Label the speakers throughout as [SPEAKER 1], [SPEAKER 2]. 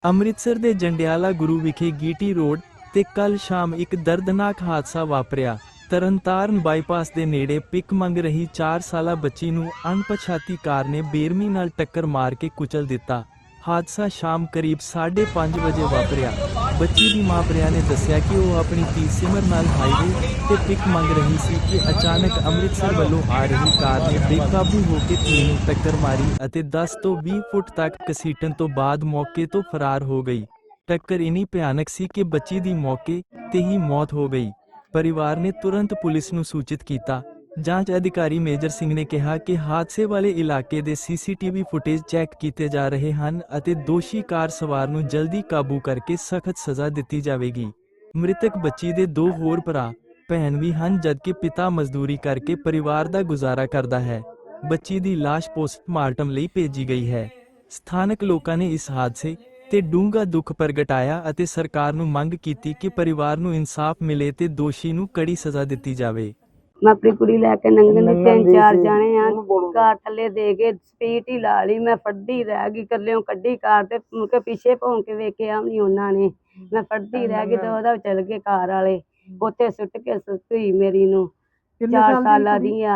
[SPEAKER 1] ਅੰਮ੍ਰਿਤਸਰ ਦੇ ਜੰਡਿਆਲਾ ਗੁਰੂ ਵਿਖੇ ਗੀਟੀ ਰੋਡ ਤੇ ਕੱਲ ਸ਼ਾਮ ਇੱਕ ਦਰਦਨਾਕ ਹਾਦਸਾ ਵਾਪਰਿਆ। ਤਰਨਤਾਰਨ ਬਾਈਪਾਸ ਦੇ ਨੇੜੇ ਪਿਕ ਮੰਗ ਰਹੀ 4 ਸਾਲਾ ਬੱਚੀ ਨੂੰ ਅਣਪਛਾਤੀ ਕਾਰ ਨੇ ਬੇਰਮੀ ਨਾਲ ਟੱਕਰ ਮਾਰ ਕੇ ਕੁਚਲ ਦਿੱਤਾ। ਹਾਦਸਾ ਸ਼ਾਮ ਕਰੀਬ 5:30 ਵਜੇ ਵਾਪਰਿਆ। ਬੱਚੀ ਦੀ ਮਾਂ ਪ੍ਰਿਆ ਨੇ ਦੱਸਿਆ ਕਿ ਉਹ ਆਪਣੀ ਧੀ ਸਿਮਰ ਨਾਲ ਹਾਈਵੇ ਤੇ ਪਿਕ ਮੰਗ ਰਹੀ ਸੀ ਕਿ ਅਚਾਨਕ ਅੰਮ੍ਰਿਤਸਰ ਵੱਲੋਂ ਆ ਰਹੀ ਕਾਰ ਨੇ ਬੇਕਾਬੂ ਹੋ ਕੇ ਧੀ ਨੂੰ ਟੱਕਰ ਮਾਰੀ ਅਤੇ 10 ਤੋਂ 20 ਫੁੱਟ ਤੱਕ ਘਸੀਟਣ ਤੋਂ ਬਾਅਦ ਮੌਕੇ ਤੋਂ ਫਰਾਰ ਹੋ ਗਈ। ਟੱਕਰ ਇੰਨੀ ਭਿਆਨਕ ਸੀ ਕਿ ਬੱਚੀ ਦੀ ਮੌਕੇ ਤੇ ਹੀ ਮੌਤ ਹੋ ਗਈ। ਪਰਿਵਾਰ ਨੇ ਤੁਰੰਤ ਪੁਲਿਸ ਨੂੰ ਸੂਚਿਤ ਕੀਤਾ। ਜਾਂਚ ਅਧਿਕਾਰੀ ਮੇਜਰ ਸਿੰਘ ਨੇ ਕਿਹਾ ਕਿ ਹਾਦਸੇ ਵਾਲੇ ਇਲਾਕੇ ਦੇ ਸੀਸੀਟੀਵੀ ਫੁਟੇਜ ਚੈੱਕ ਕੀਤੇ ਜਾ ਰਹੇ ਹਨ ਅਤੇ ਦੋਸ਼ੀ ਕਾਰ ਸਵਾਰ ਨੂੰ ਜਲਦੀ ਕਾਬੂ ਕਰਕੇ ਸਖਤ ਸਜ਼ਾ ਦਿੱਤੀ ਜਾਵੇਗੀ। ਮ੍ਰਿਤਕ ਬੱਚੀ ਦੇ 2 ਹੋਰ ਭਰਾ ਭੈਣ ਵੀ ਹਨ, ਜਦਕਿ ਪਿਤਾ ਮਜ਼ਦੂਰੀ ਕਰਕੇ ਪਰਿਵਾਰ ਦਾ ਗੁਜ਼ਾਰਾ ਕਰਦਾ ਹੈ। ਬੱਚੀ ਦੀ ਲਾਸ਼ ਪੋਸਟਮਾਰਟਮ ਲਈ ਭੇਜੀ ਗਈ ਹੈ। ਸਥਾਨਕ ਲੋਕਾਂ ਨੇ ਇਸ ਹਾਦਸੇ ਤੇ ਡੂੰਘਾ ਦੁੱਖ ਪ੍ਰਗਟਾਇਆ ਅਤੇ ਸਰਕਾਰ ਨੂੰ ਮੰਗ ਕੀਤੀ ਕਿ ਪਰਿਵਾਰ ਨੂੰ ਇਨਸਾਫ ਮਿਲੇ ਤੇ ਦੋਸ਼ੀ ਨੂੰ ਕੜੀ ਸਜ਼ਾ ਦਿੱਤੀ ਜਾਵੇ।
[SPEAKER 2] मैं अपनी कुड़ी लैके नंगन 3-4 जाने कार थले दे के स्पीड ही ला ली। मैं फड़दी रह गई, कल्ले कड्डी कार ते मुड़के पीछे भौं के वेखिया भी नहीं उन्होंने। मैं फड़दी रह गई तो ओहदा चल गए कार वाले, उत्थे सुट के सुई मेरी नूं 4 साल दी आ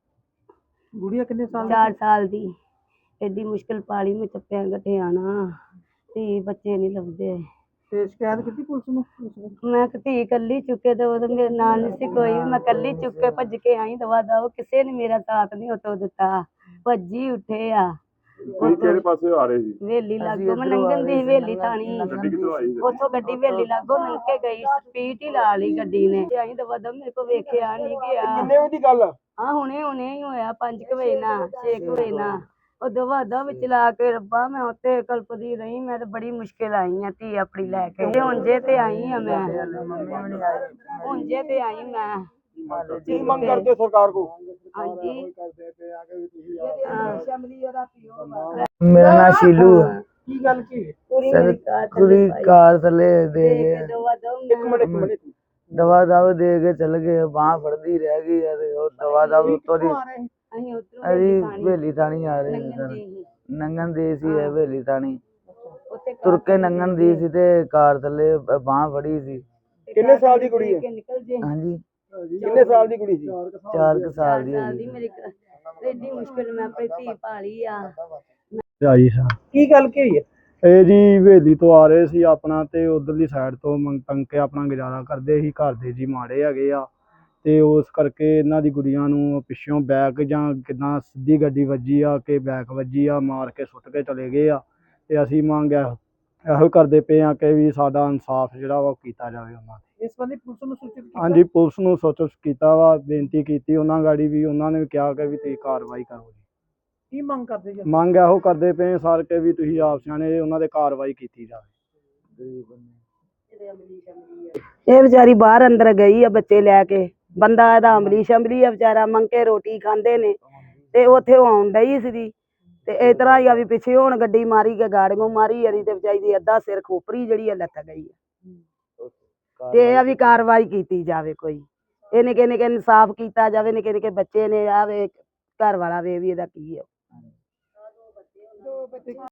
[SPEAKER 2] गुड़िया। किन्ने साल? 4 साल दी। एडी मुश्किल पाली में चप्पे गठे आना धी बच्चे नहीं लभदे। शिकायत की पुलिस में? मैं धी कली चुके तो मेरे नाल नहीं सी कोई, मैं कली चुक के भज के आई दवा दव, किसी ने मेरा साथ नहीं उतो दिता। भजी उठे आ
[SPEAKER 3] ਕਿਹੜੇ ਪਾਸੇ ਆ ਰਹੇ ਸੀ?
[SPEAKER 2] वेली लागो मैं नंगन दी वेली थानी उतो गड्डी वेली लागो लंघ के गई, स्पीड ही ला ली गड्डी ने। आई दवा दव मेरे को वेखिया नहीं गया।
[SPEAKER 3] ਕਿੰਨੇ ਵਜੇ ਦੀ ਗੱਲ?
[SPEAKER 2] हाँ हुणे हुणे ही होया 5 बजे ना 6 बजे ना दवा दव चला के रब्बा मैं उत्ते कल्पदी रही। मैं तो बड़ी मुश्किल आई हाँ धी अपनी लैके। हुण जे ते आई हाँ मैं, हुण जे ते आई मैं।
[SPEAKER 3] ਕੀ ਮੰਗ ਕਰਦੇ ਸਰਕਾਰ ਕੋ?
[SPEAKER 2] हाँ जी
[SPEAKER 4] मेरा नाम शीलू है।
[SPEAKER 3] ਕੀ ਗੱਲ ਕੀ?
[SPEAKER 4] कुड़ी कार थले दे गए,
[SPEAKER 3] ਇੱਕ ਮਿੰਟ
[SPEAKER 4] दवा दव दे के चल गए। बांह फड़दी रह गई है ते ओ दवा दव उत्तों दी अजी वेली थानी आ रहे सर। नंगन दी सी है वेली थानी, तुर के नंगन दी सी ते कार थले बांह फड़ी सी।
[SPEAKER 3] ਕਿੰਨੇ ਸਾਲ ਦੀ ਕੁੜੀ ਹੈ?
[SPEAKER 4] हाँ जी
[SPEAKER 3] ਕਿੰਨੇ ਸਾਲ ਦੀ ਕੁੜੀ ਸੀ?
[SPEAKER 4] 4 साल दी है।
[SPEAKER 2] मेरी एडी मुश्किल मैं अपनी धी पाली आ।
[SPEAKER 3] ਆਈ ਸਾ ਕੀ ਗੱਲ ਕੀ ਹੋਈ ਹੈ? ਇਹ ਜੀ ਹਵੇਲੀ ਤੋਂ ਆ ਰਹੇ ਸੀ ਆਪਣਾ ਤੇ ਉਧਰਲੀ ਸਾਈਡ ਤੋਂ ਮੰਗ ਕੇ ਆਪਣਾ ਗੁਜ਼ਾਰਾ ਕਰਦੇ ਸੀ। ਘਰ ਦੇ ਜੀ ਮਾੜੇ ਹੈਗੇ ਆ ਤੇ ਉਸ ਕਰਕੇ ਇਹਨਾਂ ਦੀ ਗੁੜੀਆਂ ਨੂੰ ਪਿੱਛੋਂ ਬੈਕ ਜਾਂ ਕਿੱਦਾਂ ਸਿੱਧੀ ਗੱਡੀ ਵੱਜੀ ਆ ਕਿ ਬੈਕ ਵੱਜੀ ਆ, ਮਾਰ ਕੇ ਸੁੱਟ ਕੇ ਚਲੇ ਗਏ ਆ। ਤੇ ਅਸੀਂ ਮੰਗ ਇਹੋ ਕਰਦੇ ਪਏ ਆ ਕਿ ਵੀ ਸਾਡਾ ਇਨਸਾਫ ਜਿਹੜਾ ਵਾ ਕੀਤਾ ਜਾਵੇ ਉਹਨਾਂ ਤੇ।
[SPEAKER 4] ਇਸ ਬੰਦੇ ਪੁਲਿਸ ਨੂੰ ਸੂਚਿਤ ਕੀਤਾ?
[SPEAKER 3] ਹਾਂਜੀ ਪੁਲਿਸ ਨੂੰ ਸੂਚਿਤ ਕੀਤਾ ਵਾ, ਬੇਨਤੀ ਕੀਤੀ ਉਹਨਾਂ ਗਾੜੀ ਵੀ। ਉਹਨਾਂ ਨੇ ਕਿਹਾ ਕਿ ਵੀ ਤੁਸੀਂ ਕਾਰਵਾਈ ਕਰੋ ਜੀ।
[SPEAKER 4] ਕੀ ਮੰਗ ਕਰਦੇ ਜੀ?
[SPEAKER 3] ਮੰਗ ਇਹੋ ਕਰਦੇ ਪਏ ਸਰ ਕਿ ਵੀ ਤੁਸੀਂ ਆਪ ਸਿਆਣੇ ਉਹਨਾਂ ਤੇ ਕਾਰਵਾਈ ਕੀਤੀ ਜਾਵੇ।
[SPEAKER 2] ਇਹ ਵਿਚਾਰੀ ਬਾਹਰ ਅੰਦਰ ਗਈ ਆ ਬੱਚੇ ਲੈ ਕੇ। ਬੰਦਾ ਇਹਦਾ ਅਮਲੀ ਸ਼ਮਲੀ ਆ ਵਿਚਾਰਾ, ਮੰਗ ਕੇ ਰੋਟੀ ਖਾਂਦੇ ਨੇ ਤੇ ਉੱਥੇ ਆਉਣ ਡਈ ਸੀ ਤੇ ਇਸ ਤਰ੍ਹਾਂ ਹੀ ਆ ਵੀ ਪਿੱਛੇ ਹੁਣ ਗੱਡੀ ਮਾਰੀ ਕੇ ਗਾੜੀਆਂ ਮਾਰੀ ਯਾਰੀ ਤੇ ਵਿਚਾਰੀ ਦੀ ਅੱਧਾ ਸਿਰ ਖੋਪਰੀ ਜਿਹੜੀ ਆ ਲੱਥ ਗਈ ਆ। ਤੇ ਇਹ ਆ ਵੀ ਕਾਰਵਾਈ ਕੀਤੀ ਜਾਵੇ, ਕੋਈ ਇਹ ਨਿੱਕੇ ਨਿੱਕੇ ਇਨਸਾਫ ਕੀਤਾ ਜਾਵੇ। ਨਿੱਕੇ ਨਿੱਕੇ ਬੱਚੇ ਨੇ, ਆਵੇ ਘਰ ਵਾਲਾ ਵੇ ਵੀ ਇਹਦਾ ਕੀ ਆ।